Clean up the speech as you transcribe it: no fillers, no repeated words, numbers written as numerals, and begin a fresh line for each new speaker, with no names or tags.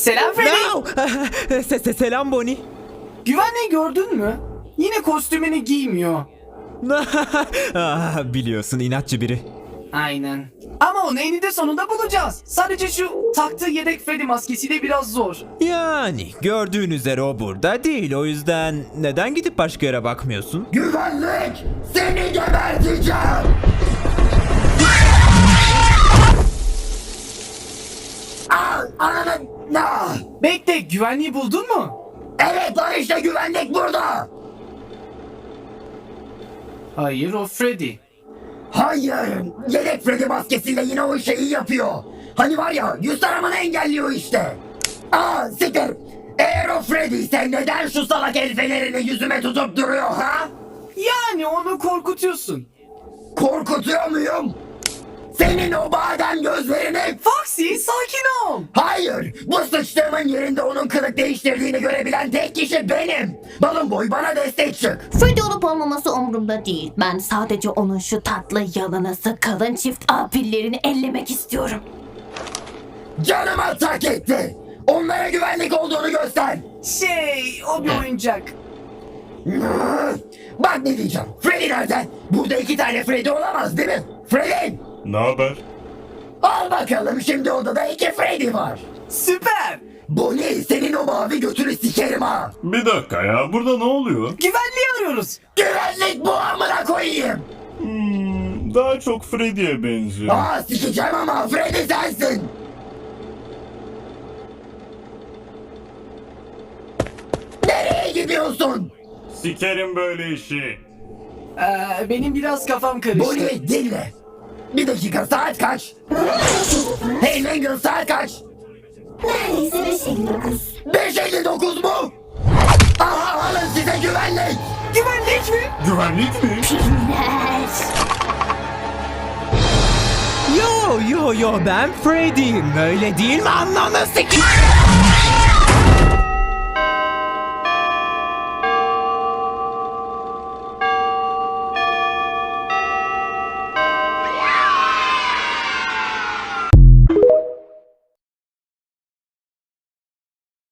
Selam Freddy.
No! Selam Bonnie.
Güvenliği gördün mü? Yine kostümünü giymiyor.
Biliyorsun inatçı biri.
Aynen. Ama onu eninde sonunda bulacağız. Sadece şu taktığı yedek Freddy maskesiyle biraz zor.
Yani gördüğün üzere o burada değil. O yüzden neden gidip başka yere bakmıyorsun?
Güvenlik! Seni geberteceğim! Ananı...
Bekle, güvenliği buldun mu?
Evet lan işte güvenlik burada!
Hayır, o Freddy.
Hayır! Yedek Freddy maskesiyle yine o şeyi yapıyor. Hani var ya, yüz taramanı engelliyor işte. Siktir! Eğer o Freddy ise neden şu salak el fenerini yüzüme tutup duruyor ha?
Yani onu korkutuyorsun.
Korkutuyor muyum? Senin o badem gözlerini...
Foxy, sakin ol.
Hayır! Bu sıçtığımın yerinde onun kılık değiştirdiğini görebilen tek kişi benim! Balon boy bana destek çık!
Freddy olup olmaması umurumda değil. Ben sadece onun şu tatlı yalınası kalın çift apillerini ellemek istiyorum.
Canıma tak etti! Onlara güvenlik olduğunu göster!
O bir oyuncak.
Bak ne diyeceğim. Freddy nerede? Burada 2 tane Freddy olamaz değil mi? Freddy!
Ne haber?
Al bakalım şimdi odada 2 Freddy var.
Süper.
Bonnie senin o mavi götünü sikerim ha.
Bir dakika ya, burada ne oluyor?
Güvenliği arıyoruz.
Güvenlik bu amına koyayım.
Daha çok Freddy'ye benziyor.
Sikeceğim ama Freddy sensin. Nereye gidiyorsun?
Sikerim böyle işi.
Benim biraz kafam karıştı.
Bonnie dinle. Bir dakika saat kaç? Hey Mangle saat kaç?
Neredeyse 5.59.
5:59 mu? Aha alın size güvenlik.
Güvenlik mi?
Güvenlik mi?
Yo ben Freddy'yim. Öyle değil mi anlamı sikeyim?